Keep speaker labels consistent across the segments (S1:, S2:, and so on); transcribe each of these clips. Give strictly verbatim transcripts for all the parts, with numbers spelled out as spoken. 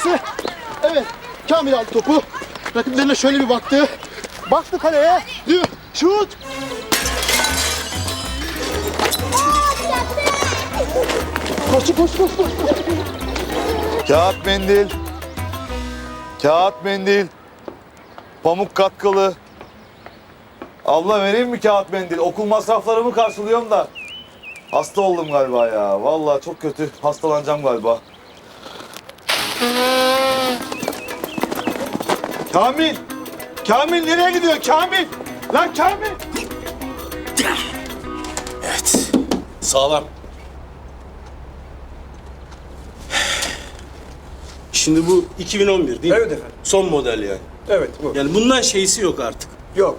S1: pası. Evet. Kamil aldı topu. Rakiplerine şöyle bir baktı. Baktı kaleye. Dü. Şut. Koş koş koş koş.
S2: Kağıt mendil. Kağıt mendil. Pamuk katkılı. Abla vereyim mi kağıt mendil? Okul masraflarımı karşılıyorum da. Hasta oldum galiba ya. Vallahi çok kötü. Hastalanacağım galiba. Kamil! Kamil nereye gidiyor Kamil? Lan Kamil!
S3: Evet. Sağlam. Şimdi bu iki bin on bir değil mi?
S4: Evet efendim.
S3: Son model yani.
S4: Evet bu.
S3: Yani bundan şeysi yok artık.
S4: Yok.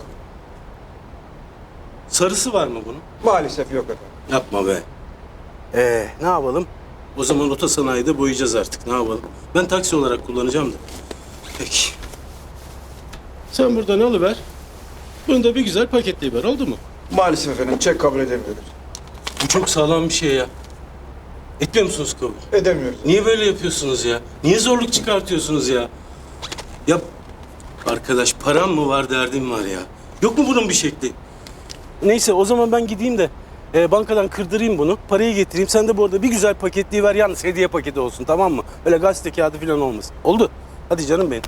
S3: Sarısı var mı bunun?
S4: Maalesef yok efendim.
S3: Yapma be. Ee, ne yapalım? O zaman otosanayide boyayacağız artık. Ne yapalım? Ben taksi olarak kullanacağım da. Peki. Sen buradan alıver. Bunu da bir güzel paketleyiver. Oldu mu?
S4: Maalesef efendim çek kabul edemiyoruz.
S3: Bu çok sağlam bir şey ya. Etmiyor musunuz kabul?
S4: Edemiyoruz.
S3: Niye böyle yapıyorsunuz ya? Niye zorluk çıkartıyorsunuz ya? Ya arkadaş param mı var derdim var ya. Yok mu bunun bir şekli? Neyse o zaman ben gideyim de e, bankadan kırdırayım bunu. Parayı getireyim. Sen de bu arada bir güzel paketliği ver. Yalnız hediye paketi olsun, tamam mı? Öyle gazete kağıdı falan olmasın. Oldu. Hadi canım benim.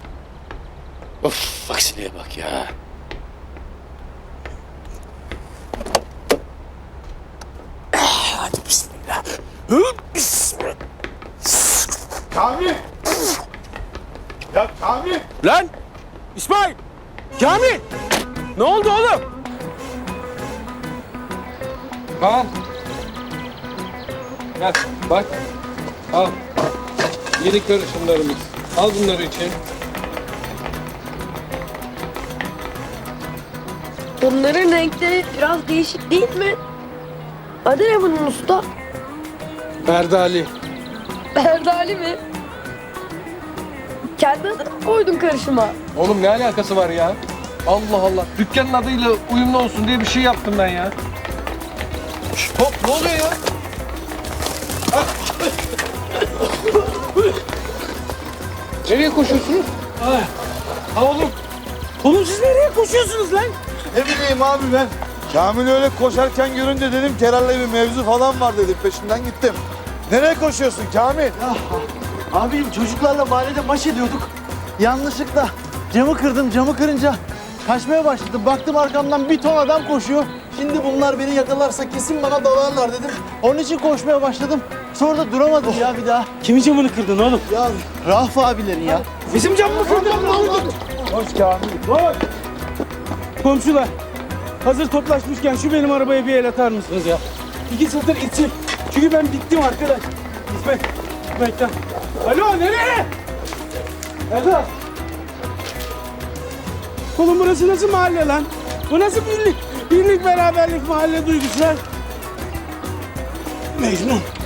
S3: Of, aksiliğe bak ya. Ah, hadi bismillah. Hı, bismillah.
S2: Kamil! Ya Kamil!
S3: Lan! İsmail! Kamil! Ne oldu oğlum?
S5: Al. Gel bak. Al. Yeni karışımlarımız. Al bunları için.
S6: Bunların renkleri biraz değişik değil mi? Adı ne bunun usta?
S5: Erdali.
S6: Erdali mi? Kendi adını mı koydun karışıma?
S5: Oğlum ne alakası var ya? Allah Allah. Dükkanın adıyla uyumlu olsun diye bir şey yaptım ben ya. Şşt, hop ne oluyor ya? Nereye koşuyorsunuz?
S3: Ha oğlum. Oğlum siz nereye koşuyorsunuz lan?
S2: Ne bileyim abi ben. Kamil öyle koşarken görünce dedim ki herhalde bir mevzu falan var dedim. Peşinden gittim. Nereye koşuyorsun Kamil?
S1: Abim çocuklarla mahallede maç ediyorduk. Yanlışlıkla camı kırdım. Camı kırınca kaçmaya başladım. Baktım arkamdan bir ton adam koşuyor. Şimdi bunlar beni yakalarsa kesin bana dalarlar dedim. Onun için koşmaya başladım. Sonra da duramadım ya bir daha.
S3: Kimin camını kırdın oğlum?
S1: Ya Rauf abilerin ya.
S3: Bizim camımı kırdın.
S2: Hoş Kamil.
S3: Komşular. Hazır toplaşmışken şu benim arabaya bir el atar mısınız ya? İki satır içim. Çünkü ben bittim arkadaş. İsmet. İsmet'ten. Alo nereye? Eda. Oğlum burası nasıl mahalle lan? Bu nasıl birlik? Birlik beraberlik mahalle duygusu lan? Mecnun.